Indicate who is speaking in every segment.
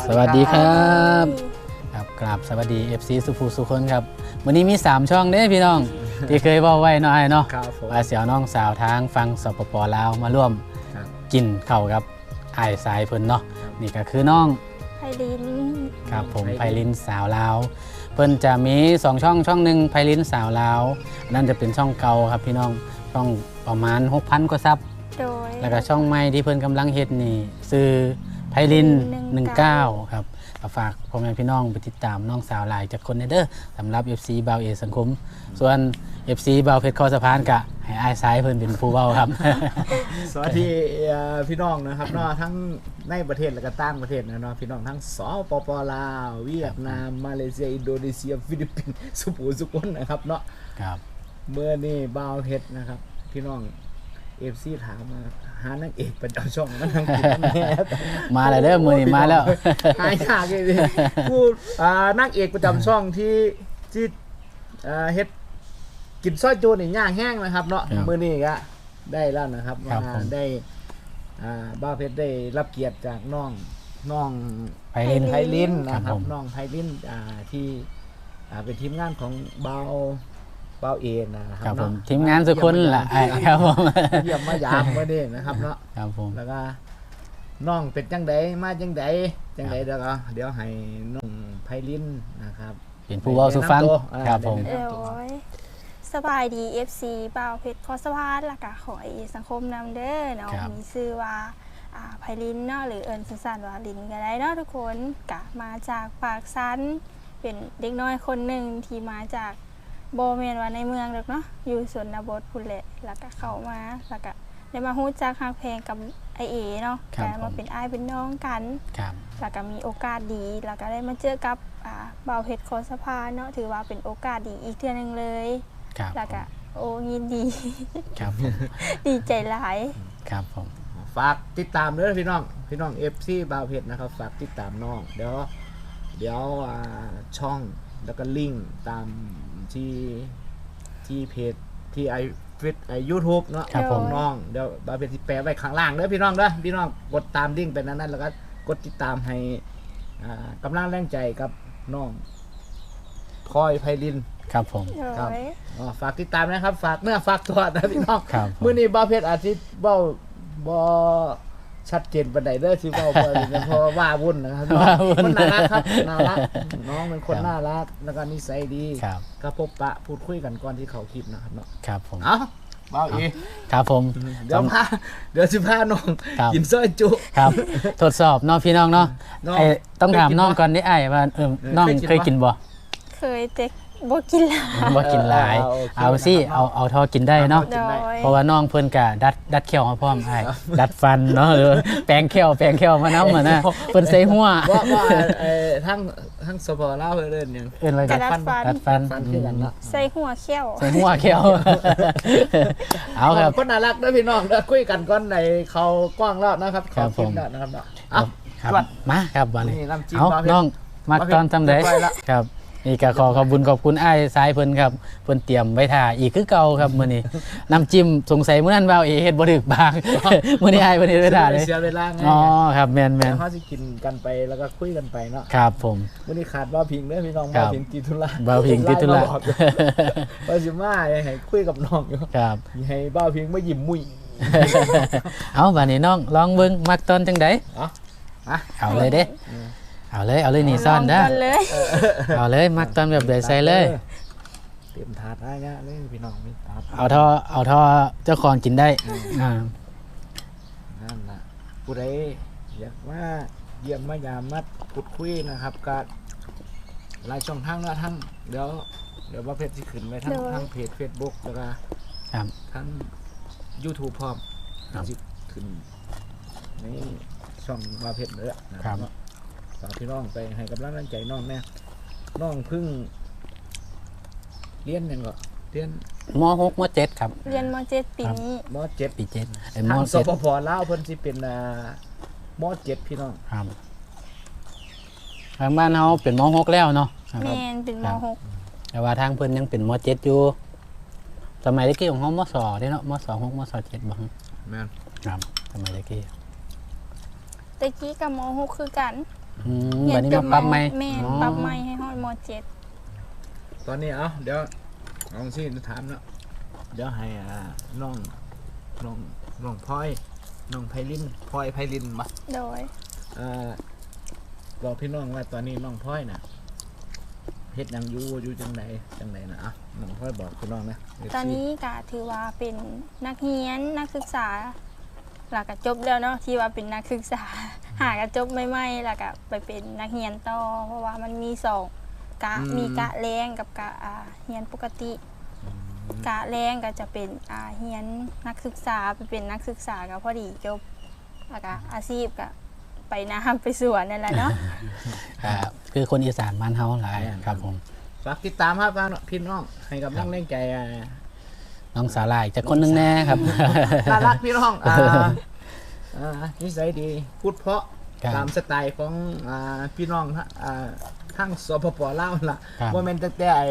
Speaker 1: สวัสดีครับครับกราบสวัสดี FC สุภูสุคนครับวันนี้มี3ช่องเด้พี่น้องที่เคยบอกไว้เนาะไอ้เนาะว่าเสี่ยวน้องสาวทางฟังสปปลาวมาร่วมกินข้าวกับไอ้สายเพิ่นเนาะนี่ก็คือน้อง
Speaker 2: ไพลิน
Speaker 1: ครับผมไพลินสาวลาวเพิ่นจะมี2ช่องหนึ่งไพลินสาวลาวนั่นจะเป็นช่องเก่าครับพี่น้องช่องประมาณ 6,000 กว่าซับแล้วก็ช่องใหม่ที่เพิ่นกำลังเฮ็ดนี่ซื้อไพลิน19ครับฝากพ่อแม่พี่น้องไปติดตามน้องสาวหลายจากคนเด้อสำหรับ FC บ่าวเอสังคมส่วน FC บ่าวเพชรคอสะพานกะให้อ้ายซ้ายเพิ่นเป็นผู้เว้าครับ
Speaker 3: สวัสดีพี่น้องนะครับเนาะทั้งในประเทศและก็ต่างประเทศนะเนาะพี่น้องทั้งสปปลาวเวียดนามมาเลเซียอินโดนีเซียฟิลิปปินส์สุโขทัยนะครับเนาะ
Speaker 1: ครับ
Speaker 3: เมื่อนี่บ่าวเพชรนะครับพี่น้อง FC ถามมาหานางเอกประจำช่องมันทางกินแน่
Speaker 1: มาแล้วเด้อมื้อนี้มาแล้ว
Speaker 3: หายากเลยผู้นางเอกประจำช่องที่เฮ็ดกินซอยจูนี่ย่างแห้งนะครับเนาะมื้อนี้ก็ได้แล้วนะครับมาได้บ้าเพชรได้รับเกียรติจากน้อง
Speaker 1: ไพลิน
Speaker 3: นะครับน้องไพลินที่เป็นทีมงานของเบาเอนะครับ
Speaker 1: ผมทีมงานสุคนล่ะครับผม
Speaker 3: เยี่ยมมายามมื้อนี้นะครับเนาะ
Speaker 1: ครับผม
Speaker 3: แล้วก็น้องเป็นจังไดมาจังไดแล้วก็เดี๋ยวให้น้องไพลินนะครับ
Speaker 1: เป็นผู้เว้าสู่ฟังครับผม
Speaker 2: สบายดี FC บ่าวเพชรคอสะพานและก็ของไอสังคมนำเด้อเนาะมีชื่อว่าไพลินเนาะหรือเอิญสั้นๆว่าลินก็ได้เนาะทุกคนกะมาจากปากซันเป็นเด็กน้อยคนหนึ่งที่มาจากโบเมนว่าในเมืองเนาะอยู่ชนบทพุ่นแหละแล้วก็เข้ามาแล้วก็ได้มาฮู้จักฮักเพลงกับไอเอเนาะกลายมาเป็นอ้ายเป็นน้องกันแล้วก็มีโอกาสดีแล้วก็ได้มาเจอกับบ่าวเพชรคอสะพานเนาะถือว่าเป็นโอกาสดีอีกเทื่อนึงเลยแล้วก็โอ้ยินดี
Speaker 1: ครับ
Speaker 2: ดีใจหลาย
Speaker 1: ครับผม
Speaker 3: ฝากติดตามด้วยพี่น้อง FC บ่าวเพชรนะครับฝากติดตามน้องเดี๋ยวช่องแล้วก็ลิงก์ตามที่เพจที่YouTube เนาะของน้องเดี๋ยวบ่าวเพชรสิแปะไว้ข้างล่างเด้อพี่น้องกดตามลิงก์ไปนั้นแล้วก็กดติดตามให้กำลังแรงใจกับน้องคอยไพลิน
Speaker 1: ครับผม
Speaker 3: ครับฝากติดตามนะครับฝากเนื้อฝากตัวนะพี่น้องมื้อนี้บ่าวเพชรอาทิตย์เว้าบ่ชัดเจนปานใดเด้อสิเว้าบ่เพราะว่าวุ่นนะครับมันน่ารักครับน่ารักน้องเป็นคนน่ารักแล้วก็นิสัยดีก็พบปะพูดคุยกันก่อนที่เขาคลิปนะครับเนาะ
Speaker 1: ครับผม
Speaker 3: เอ้าบ่าวอี
Speaker 1: ครับผม
Speaker 3: เดี๋ยวสิพาน้องกินซอยจุ
Speaker 1: ครับทดสอบเนาะพี่น้องเนาะต้องถามน้องก่อนได้อ้ายว่าน้องเคยกินบ่
Speaker 2: เคยแต่บ่กิน
Speaker 1: หลายเอาสิเอาทอกินได้เนาะเพราะว่าน้องเพิ่นกะดัดเขี้ยวมาพร้อมอ้ายดัดฟันเนาะหรือแปรงเขี้ยวมานำน่ะเพิ่นใส่หัว
Speaker 3: ว่าทั้งสปลาวเอิ้นหยัง
Speaker 1: เอิ้นอะไรดัดฟัน
Speaker 3: คือกันเนาะ
Speaker 2: ใส่หัวเขี้ยว
Speaker 1: เอาครับ
Speaker 3: คนน่ารักเด้อพี่น้องเด้อคุยกันก่อนในเขากว้างแล้วนะครับขอคลิปแล้วนะครับเนาะ
Speaker 1: ครับมาครับบัดนี้เอาน้องมาตอนทำได้ครับนี่ก็ขอบคุณอ้ายสายเพิ่นครับเพิ่นเตรียมไว้ท่าอีกคือเก่าครับมื้อนี้น้ำจิ้มสงสัยมื้อนั้นบ่าวเอเฮ็ดบ่ถึกบางมื้อนี้อ้ายเพิ่นเฮ็ดไว้ท่าเลย
Speaker 3: เสียเวลาไง
Speaker 1: อ๋อครับแม่น
Speaker 3: เฮาสิกินกันไปแล้วก็คุยกันไปเนาะ
Speaker 1: ครับผม
Speaker 3: มื้อนี้ขาดบ่าวพิงเด้อพี่น้องบ่าวพิงติดธุระ
Speaker 1: บ่าวพิงติดธุระ
Speaker 3: ว่าสิมาให้คุยกับน้องอยู่
Speaker 1: ครับ
Speaker 3: ให้บ่าวพิงมายิ้มมุ้ย
Speaker 1: เอาบัดนี้น้องลองเบิ่งมักตอนจังได๋เอาเลยเด้เอาเลยนี่ซ่อนเด้อเอาเลยมักตอนแบบใดใส่เลย
Speaker 3: เตรียมถาดได้เงี้ยเลยพี่น้องมีถาด
Speaker 1: เอาทอเจ้าของกินได้
Speaker 3: นั่นล่ะผู้ใดอยากมาเยี่ยมมายามมาพูดคุยนะครับก็หลายช่องทางนะทั้งเดี๋ยวว่าเพจสิขึ้นไว้ทั้งเพจ Facebook แล้วก็ทั้ง YouTube พร้อมสิขึ้นในช่องว่าเพจเด้อนะครับฝากพี่น้องไปให้กำลังใจน้องแน่น้องพึ่งเรียนยังก็เรียน
Speaker 1: ม.6 ม.7 ครับ
Speaker 2: เรียนม.7 ปีนี้
Speaker 3: ม.7
Speaker 1: ปี7
Speaker 3: ทางสปปลาวเพิ่นสิเป็นม.7 พี่น้อง
Speaker 1: ครับทางบ้านเฮาเป็นม.6 แล้วเนาะ
Speaker 2: แม่นเป็นม.6
Speaker 1: แต่ว่าทางเพิ่นยังเป็นม.7 อยู่สมัยตะกี้ของเฮาม.2 เด้เนาะม.2 6 ม.7 บ่
Speaker 3: แม่น
Speaker 1: ครับสมัยตะกี้
Speaker 2: ม.6 คือกัน
Speaker 1: บัดนี้มาปรับใหม่
Speaker 2: แม่น
Speaker 1: อ๋อ
Speaker 2: ปรับใหม่ให้ฮอดม
Speaker 3: ตอนนี้เดี๋ยวเอาสิจะถามเนาะเดี๋ยวให้น้องพลอยน้องไพลินพลอยไพลินมา
Speaker 2: .7 โดย
Speaker 3: บอกพี่น้องว่าตอนนี้น้องพลอยน่ะเฮ็ดหยังอยู่จังไดนะน้องพลอยบอกพี่น้องนะ
Speaker 2: ตอนนี้ก็ถือว่าเป็นนักเรียนนักศึกษาหลักก็จบแล้วเนาะที่ว่าเป็นนักศึกษา หากจบใหม่ๆแล้วก็ไปเป็นนักเรียนต่อเพราะว่ามันมี2กะมีกะแรงกับกะเรียนปกติกะแรงก็จะเป็นเรียนนักศึกษาไปเป็นนักศึกษาก็พอดีจบแล้วก็อาชีพก็ไปน้ำไปสวนนั่นแหละเนาะ
Speaker 1: ครับคือคนอีสานบ้านเฮาหลายครับผม
Speaker 3: ฝากติดตามครับพี่น้องให้กำลังแรงใจ
Speaker 1: น้องสาลายจากคนหนึงแน่ครับ
Speaker 3: น่ารักพี่น้องนิสัยดีพูดเพราะ
Speaker 1: ครับ
Speaker 3: ตามสไตล์ของพี่น้องทั้งสปปลาวล่ะ
Speaker 1: ครับ
Speaker 3: บ่แม่นตั้งแต่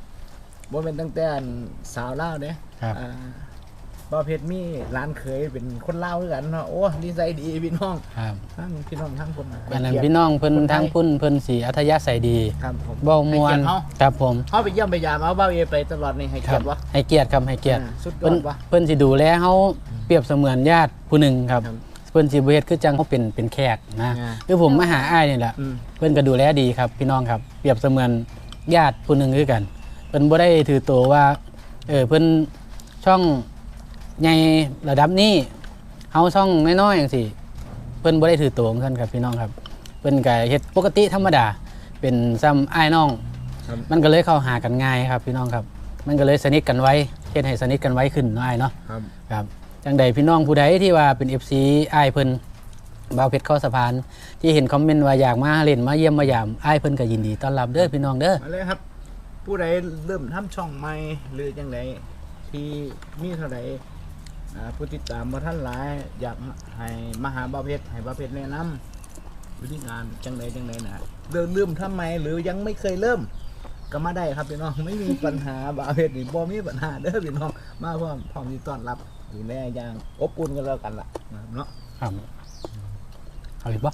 Speaker 3: สาวลาวเด้
Speaker 1: ครับ
Speaker 3: บ่เพชรมีร้านเคยเป็นคนลาวคือกันเนาะโอ้นิสัยดีพี่น้อง
Speaker 1: ครับ
Speaker 3: ทั้งพี่น้องทั้งคน
Speaker 1: อันนั้นพี่น้องเพิ่นทั้งพุ่นเพิ่นสีอัธยาศัยดี
Speaker 3: ครับผม
Speaker 1: เว้ามวน
Speaker 3: ให้เกียรติเฮา
Speaker 1: ครับผม
Speaker 3: เฮาไปเยี่ยมไปยามเอาเบ้าเอไปตลอดนี่ให้
Speaker 1: ค
Speaker 3: เกี
Speaker 1: รั
Speaker 3: ยรติวะ
Speaker 1: ให้เกียรติครับให้เกียรติ
Speaker 3: สุดยอ
Speaker 1: เพิ่น
Speaker 3: ดวะ
Speaker 1: เพิ่นสิดูแลเฮาเปรียบเสมือนญาติผู้หนึ่งครับ
Speaker 3: ครับ
Speaker 1: เพิ่นสิบ่เฮ็ดคือจังเขาเป็นแขกนะ
Speaker 3: อ่า
Speaker 1: คือผมมาหาอ้ายนี่แหละ
Speaker 3: อืม
Speaker 1: เพิ่นก็ดูแลดีครับพี่น้องครับเปรียบเสมือนญาติผู้หนึ่งคือกันเพิ่นบ่ได้ถือตัวว่าเพิ่นช่องใหญ่ระดับนี้เฮาช่องน้อยๆจังซี่เพิ่นบ่ได้ถือตัวของเพิ่นครับพี่น้องครับเพิ่นก็เฮ็ดปกติธรรมดาเป็นซ้ำอ้ายน้อง
Speaker 3: ครับ
Speaker 1: มันก็เลยเข้าหากันง่ายครับพี่น้องครับ มันก็เลยสนิทกันไว้เฮ็ดให้สนิทกันไว้ขึ้นเนาะอ้ายเนาะ
Speaker 3: ครับ
Speaker 1: ครับจังใดพี่น้องผู้ใดที่ว่าเป็น FC อ้ายเพิ่นบ่าวเพชรเข้าสะพาน ที่เห็นคอมเมนต์ว่าอยากมาเล่นมาเยี่ยมมายามอ้ายเพิ่นก็ยินดีต้อนรับเด้อพี่น้องเด้อ
Speaker 3: มาเลยครับ ผู้ใดเริ่มทำช่องใหม่หรือจังไดที่มีเท่าใดผู้ติดตามบ่ท่านหลายอยากให้มาหาบ่าวเพชรให้บ่าวเพชรแนะนำวิธีการจังไดนะเริ่มทำไมหรือยังไม่เคยเริ่มก็มาได้ครับพี่น้องไม่มีปัญหาบ่าวเพชรนี่บ่มีปัญหาเด้อพี่น้องมาพร้อมที่ต้อนรับดูแลอย่างอบอุ่นกันแล้วกันล่ะนะครับเนาะ
Speaker 1: ครับเอาอีกบ่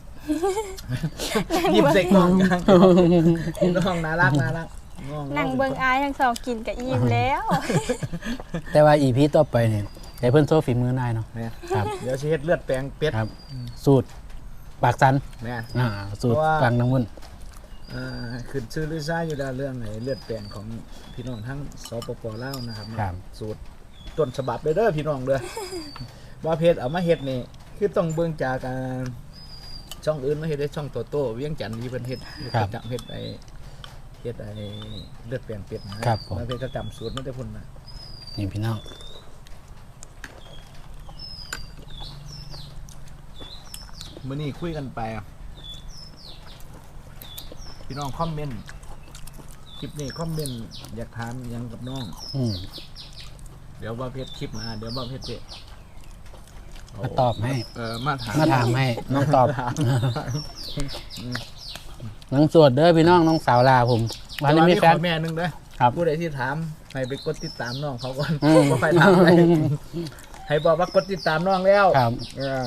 Speaker 3: ยิ้มใส่กล้องกันพี่น้องน่ารัก
Speaker 2: นั่งเบิ่งอายทั้งสองกินกับอิ่มแล้ว
Speaker 1: แต่ว่า EP ต่อไปนี่ให้เพิ่นโชว์ฝีมือหน่อยเนาะ
Speaker 3: เนี่ย
Speaker 1: ครับ
Speaker 3: เดี๋ยวสิเฮ็ดเลือดแปลงเป็ด
Speaker 1: ครับ สูตรปากสัน
Speaker 3: เนี่ย
Speaker 1: สูตร
Speaker 3: เพราะว่า
Speaker 1: กลางน้ำมัน
Speaker 3: ขึ้นชื่อลือซ่าอยู่แล้วเรื่องไหนเลือดแปลงของพี่น้องทั้งสปปลาวนะครับ
Speaker 1: ครับ
Speaker 3: สูตรต้นฉบับเลยเด้อพี่น้องเด้อ ว่าเพจเอามาเฮ็ดนี่คือต้องเบิ่งจากช่องอื่นมาเฮ็ดได้ช่องโตเวียงจันทน์ที่เพิ่นเฮ็ดจังเฮ็ดไอ้เลือดแปลงเป็ดนะครับ
Speaker 1: ผม
Speaker 3: มาเพจก็จำสูตรมาได้พุ่นนะ
Speaker 1: นี่พี่น้อง
Speaker 3: มื้อนี้คุยกันไปพี่น้องคอมเมนต์คลิปนี้คอมเมนต์อยากถามหยังกับน้อง
Speaker 1: อืม
Speaker 3: เดี๋ยวว่าเพจคลิปมาเดี๋ยวว่าเพจเจ
Speaker 1: มาตอบให้
Speaker 3: มาถาม
Speaker 1: มาถามให้น้องตอบ
Speaker 3: ถาม
Speaker 1: น้องสวดเด้อพี่น้องน้องสาวลาผมวันนี้มีแฟน
Speaker 3: ขอแม่หนึงเด้อ
Speaker 1: ครับ
Speaker 3: ผู้ใดที่ถามให้ไปกดติดตามน้องเขาก่อน
Speaker 1: อืม
Speaker 3: ก็ไปถามให้ให้บอกว่ากดติดตามน้องแล้ว
Speaker 1: ครับ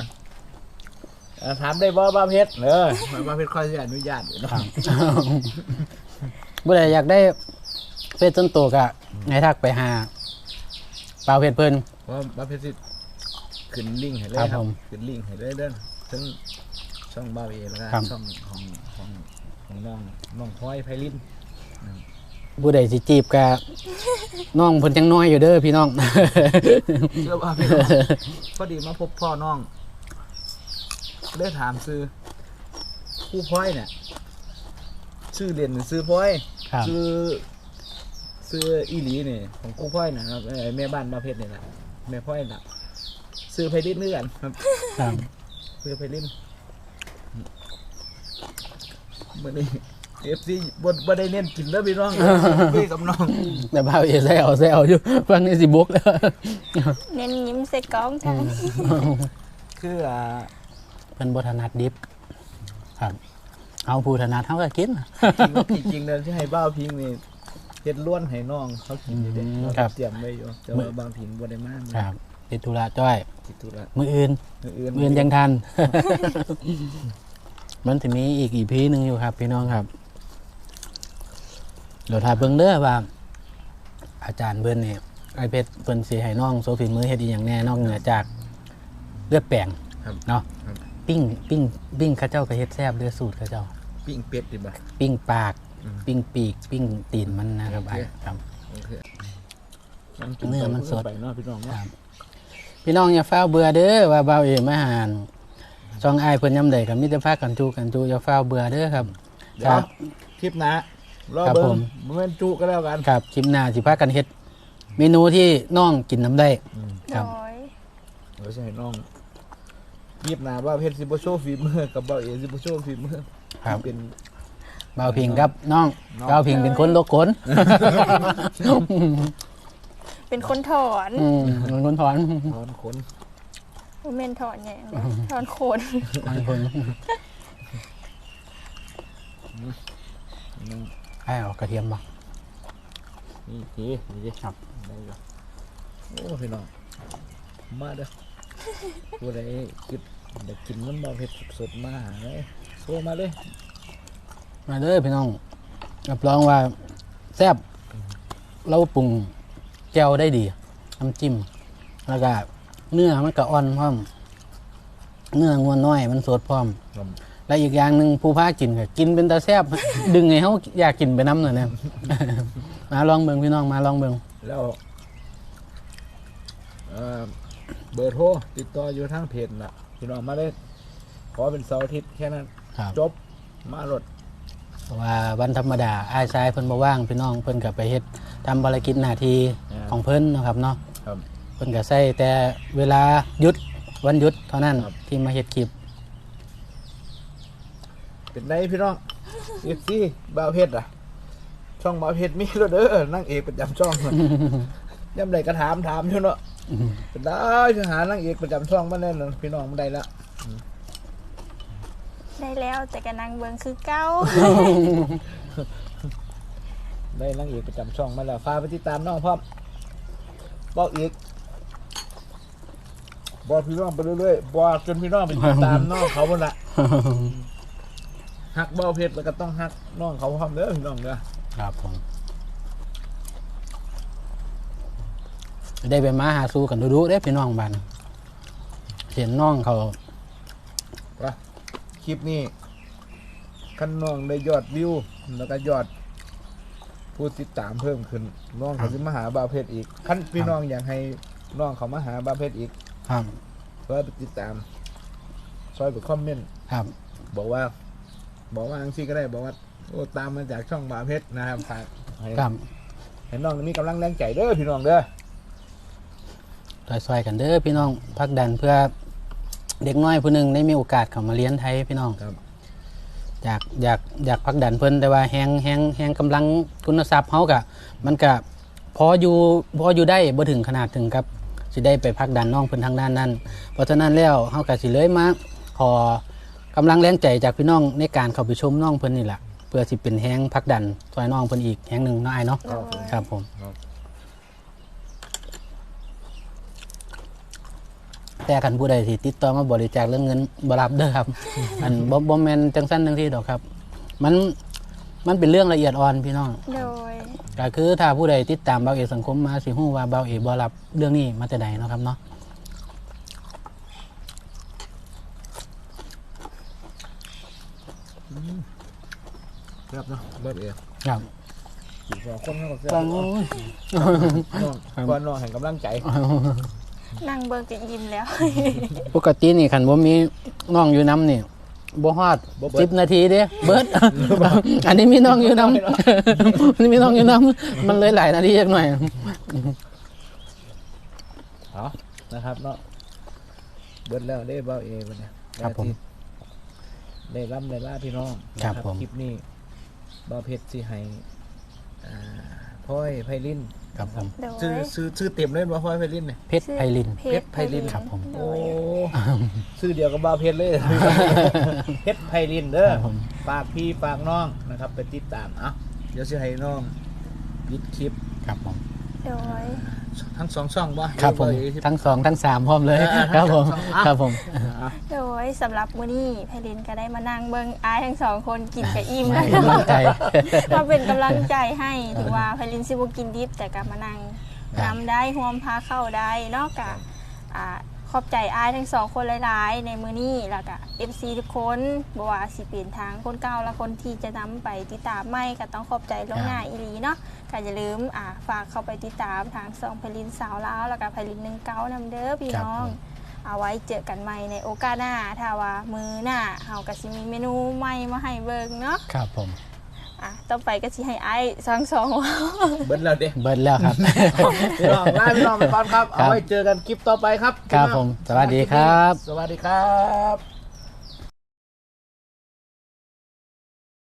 Speaker 3: ถามได้บ่บ้าเพชรบ้าเพชรค่อยจะอนุญาตอยู่เนาะ
Speaker 1: ครับ บ่ได้อยากได้เฟซส่วนตัวก็ให้ทักไปหาเปล่าเพจเพิ่น
Speaker 3: เพราะบ้าเพชรสิขึ้นลิงก์ให้เลย
Speaker 1: ครับ
Speaker 3: ครั
Speaker 1: ผ
Speaker 3: บ
Speaker 1: ม
Speaker 3: ขึ้นลิงก์ให้เลยเด้อทั้งช่องบ้าเอแล้วก็
Speaker 1: ครับ
Speaker 3: ช่องของน้องพลอยไพลิน
Speaker 1: ผู้ใดสิจีบก็น้องเพิ่นยังน้อยอยู่เด้อพี่น้อง
Speaker 3: เชื่อว่าพี่น้องพอดีมาพบพ่อน้องได้ถามซื้อผู้พลอยเนี่ยชื่อเรียนซื้อพลอย
Speaker 1: ครับ
Speaker 3: ซื้ออีหลีนี่ของกูพ่อยนะครับแม่บ้านมาเพชรนี่แหละแม่พ่อยน่ะซื้อไพลินเนื่อนครับ
Speaker 1: ครับ
Speaker 3: ซื้อไพลินมื่อนี้FC บ่ได้เน้นกินแล้วพี่น้องคุยกับน้อง
Speaker 1: แต่บ่าวเอแซวอยู่ฟังนี่สิบกแล้ว
Speaker 2: เน้นยิ้มใส่กล้องทั้ง
Speaker 3: คือ
Speaker 1: เพิ่นบ่ถนัดดิบครับเอาผู้ถนัดเฮาก็กิน
Speaker 3: จริงๆเลยที่ให้บ้าวพิงนี่เฮ็ดล้วนให้น้องเขากินอยู่เด้
Speaker 1: อืม
Speaker 3: เรา
Speaker 1: ครับ
Speaker 3: เตรียมไว้อยู่แต่ว่าบางพิงบ่ได้มา
Speaker 1: ครับติดธุระจ้อย
Speaker 3: ติดธุระ
Speaker 1: มื้ออื่น
Speaker 3: อื่น
Speaker 1: มื้ออื่นยังทันมันจะมีอีกอีพีหนึ่งอยู่ครับ พี่น้องครับเดี๋ยวถ่ายเบิ่งเด้อว่า อาจารย์เบิ้นนี่ไอเพชรเพิ่นสิให้น้องโซฟีมือเฮ็ดอีหยังแน่นอกเหนือจากเลือดแป้ง
Speaker 3: ครับ
Speaker 1: เนาะ
Speaker 3: ครับ
Speaker 1: ปิ้งข้าเจ้าก็เฮ็ดแซ่บเด้อสูตรข้าเจ้า
Speaker 3: ปิ้งเป็ดดีบ่
Speaker 1: ปิ้งปาก
Speaker 3: อืม
Speaker 1: ปิ้งปีก ปิ้งตีนมันนะครับไอ้ครับ
Speaker 3: โอเค
Speaker 1: เนื้อมันสด
Speaker 3: ไปเนาะพี่น้อง
Speaker 1: ค
Speaker 3: เนาะ
Speaker 1: รับพี่น้องอย่าเฝ้าเบื่อเด้อว่าเบาเอมาหารช่องอ้ายเพิ่นยำใดกับมิตรภาคกันจูอย่าเฝ้าเบื่อเด้อครับ
Speaker 3: เดี๋ยวคลิปหนะรอ
Speaker 1: ครับ
Speaker 3: เบิ่
Speaker 1: ผ
Speaker 3: ง
Speaker 1: ม
Speaker 3: บ่แม่นจุก็แล้วกัน
Speaker 1: ครับคลิปหน้าสิพากันเฮ็ดเมนูที่น้องกินน้ำได้ ค
Speaker 2: โด
Speaker 1: รับ
Speaker 2: ย
Speaker 3: เดี๋ยวสิให้น้องคลิปหน้าว่าเพชรสิบ่โชว์ฝีมือกับบ่าวเอสิบ่โชว์ฝีมือ
Speaker 1: ครับ
Speaker 3: เป็น
Speaker 1: เบาพิงครับน้อง
Speaker 3: น้อง
Speaker 1: เบาพิงเป็นคนโลกขน
Speaker 2: เป็นคนถอน
Speaker 1: เป็นคนถอน
Speaker 3: ถอนขน
Speaker 2: บ่แม่นถอนหยังนะถอนโคน
Speaker 1: เป็นคน
Speaker 3: นึง
Speaker 1: ให้เอากระเทียมบ่
Speaker 3: นี่ทีนี่ดิ
Speaker 1: ครับ
Speaker 3: ได้อยู่โอ้พี่น้องมาเด้อผู้ใดคิดอยากกินมันบ่าวเพชรสดๆมาหาเลยโทรมาเลย
Speaker 1: มาเด้อพี่น้องรับรองว่าแซ่บเราปรุงแก้วได้ดีน้ำจิ้มแล้วก็เนื้อมันก็อ่อนพร้อมเนื้องวนน้อยมันสดพร้อม
Speaker 3: ครับ
Speaker 1: และอีกอย่างหนึ่งผู้พากินก็กินเป็นตาแซ่บ ดึงให้เขาอยากกินไปน้ำหน่อยเนี่ย มาลองเบิ่งพี่น้องมาลองเบิ่ง
Speaker 3: แล้วเบอร์โทรติดต่ออยู่ทางเพจน่ะพี่น้องมาเลยขอเป็นเสาร์อาทิตย์แค่นั้น
Speaker 1: ครับ
Speaker 3: จบมาโหลด
Speaker 1: เพราะว่าวันธรรมดาอ้ายชายเพิ่นบ่ว่างพี่น้องเพิ่นก็ไปเฮ็ดทำภารกิจหน้าที่ของเพิ่นเนาะครับเนาะ
Speaker 3: ครับ
Speaker 1: เพิ่นก็ใช้แต่เวลาหยุดวันหยุดเท่านั้น
Speaker 3: ครับ
Speaker 1: ที่มาเฮ็ดคลิป
Speaker 3: เป็นไงพี่น้องเอฟซีบ่าวเพชรอ่ะ ช่องบ่าวเพชรมีแล้วเด้อนั่งเอกประจำช่อง ย่ำใดก็ถามอยู่เนาะเป็นได้จะหานั่งเอกประจำช่องมาแน่นอนพี่น้องมันได้ละ
Speaker 2: ได้แล้วแต่ก็นั่งเบิ่งคือเก่า
Speaker 3: ได้นั่งเอกประจำช่องมาแล้วฝากไปติดตามน้องพร้อมบอกอีกบอกพี่น้องไปเรื่อยๆบอกจนพี่น้องไปติดตามน้องเขาหมดละฮักบ่าวเพชรแล้วก็ต้องฮักน้องเขาพร้อมเด้อพี่น้องเด้อ
Speaker 1: ครับผมได้ไปมาหาสู่กันดูๆเด้พี่น้องบ้านเห็นน้องเขา
Speaker 3: คลิปนี้ขั้นน้องได้ยอดวิวแล้วก็ยอดผู้ติดตามเพิ่มขึ้นน้องเขาจะมาหาบ่าวเพชรอีกขั้นพี่น้องอยากให้น้องเขามาหาบ่าวเพชรอีก
Speaker 1: ครับ
Speaker 3: ช่วยไปติดตามช่วยไปคอมเมนต์
Speaker 1: ครับ
Speaker 3: บอกว่าอังซี่ก็ได้บอกว่าโอ้ตามมาจากช่องบ่าวเพชรนะครับฝากให้
Speaker 1: ครับ
Speaker 3: ให้น้องมีกำลังแรงใจเด้อพี่น้องเด้อ
Speaker 1: ซอยๆกันเด้อพี่น้องพักดันเพื่อเด็กน้อยผู้หนึ่งได้มีโอกาสเข้ามาเรียนไทยพี่น้อง
Speaker 3: ครับ
Speaker 1: อยากพักดันเพิ่นแต่ว่าแฮงกำลังทุนทรัพย์เฮากะมันก็พออยู่ได้บ่ถึงขนาดถึงกับสิได้ไปพักดันน้องเพิ่นทางด้านนั้นเพราะฉะนั้นแล้วเฮาก็สิเลยมาขอกำลังแรงใจจากพี่น้องในการเข้าไปชมน้องเพิ่นนี่แหละเพื่อสิเป็นแฮงพักดันซอยน้องเพิ่นอีกแฮงหนึงเนาะอ้ายเนาะ
Speaker 2: โดย
Speaker 1: ครับผม
Speaker 3: ครับ
Speaker 1: แต่คันผู้ใดที่ติดต่อมาบริจาคเรื่องเงินบ่รับเด้อครับ อันบ่แม่นจังซั่นจังซี่ดอกครับ มันเป็นเรื่องละเอียดอ่อนพี่น้อง
Speaker 2: โดย
Speaker 1: ก็คือถ้าผู้ใดติดตามเบาเอกสังคมมาสิฮู้ว่าเบาเอกบ่รับเรื่องนี้มาแต่ใดเนาะครับเนาะ
Speaker 3: ครับเนาะเบิดเอง
Speaker 1: ครับ
Speaker 3: สี่สองคนเขาก็แซ่บ
Speaker 1: ฟังโอ้ย
Speaker 3: น้องก่อนน้องให้กำลังใจ
Speaker 2: นั่งเบิ่งก็ยิ้มแล้ว
Speaker 1: ปกตินี่คันบ่มีน้องอยู่นํนี่บ่ฮอด
Speaker 3: บ่เบิด
Speaker 1: 10นาทีเด้เบิด อันนี้มีน้องอยู่นํ อันนี้มีน้องอยู่นํมันเลยหลายนาทีจักหน่อย
Speaker 3: เอานะครับเนาะเบิดแล้วได้เบาเอวันนี้
Speaker 1: ครับผม
Speaker 3: ได้ร่ำได้ล่าพี่น้อง
Speaker 1: ครับ
Speaker 3: นะ
Speaker 1: ผม
Speaker 3: คลิปนี้เบาเพชรสิให้พ่อยไพลิน
Speaker 1: ครับผม
Speaker 2: โดย
Speaker 3: ชื่อเต็มเลยว่าพ่อยไพลินเนี่ย
Speaker 1: เพชรไพลิน
Speaker 2: เพชรไพลิน
Speaker 1: ครับผม
Speaker 2: โด
Speaker 3: โอ้
Speaker 2: ย
Speaker 3: ชื่อเดียวกับเบาเพชรเลย เพชรไพลินเด้อ
Speaker 1: ครับผม
Speaker 3: ฝากพี่ฝากน้องนะครับไปติดตามเดี๋ยวสิให้น้องปิดคลิป
Speaker 1: ครับผม
Speaker 2: โดย
Speaker 3: ทั้งสองช่องบ่
Speaker 1: ครับผม
Speaker 3: เบาเอ
Speaker 1: ทั้งสองทั้งสามพร้อมเลย
Speaker 3: อ่า
Speaker 1: ครับผม
Speaker 3: ทั้งสองอ่ะ
Speaker 1: ครับผม
Speaker 3: อ่ะ
Speaker 2: โดยสำหรับมื้อนี้ไพลินก็ได้มานั่งเบิ่งอ้ายทั้งสองคนกินกับอิ่ม
Speaker 1: ให้
Speaker 2: แล้ว
Speaker 1: กำลังใจ
Speaker 2: มาเป็นกำลังใจให้ถึงว่าไพลินสิบ่กินดิบแต่ก็มานั่ง
Speaker 1: ครับ
Speaker 2: นำได้ร่วมพาเข้าได้เนาะกะขอบใจอ้ายทั้งสองคนหลายๆในมื้อนี้แล้วก็ FC ทุกคนบ่ว่าสิเป็นทางคนเก่าและคนที่จะนำไปติดตามใหม่ก็ต้องขอบใจล่วงหน้าอีหลีเนาะก็อย่าลืมฝากเข้าไปติดตามทางช่องไพลินสาวลาวแล้วก็ไพลิน19นำเด้อพี่น้อง เอาไว้เจอกันใหม่ในโอกาสหน้าถ้าว่ามือหน้าเฮาก็สิมีเมนูใหม่มาให้เบิ่งเนาะ
Speaker 1: ครับผม
Speaker 2: ต่อไปก็สิให้อ้ายสองว้าว
Speaker 3: เบิ้ลแล้วเด้
Speaker 1: เบิดแล้วครับ
Speaker 3: พี่น้องลาพี่น้องไปก่อนครับ เอาไว้เจอกันคลิปต่อไปครับ
Speaker 1: ครับผมสวัสดีครับ
Speaker 3: สวัสดีครับ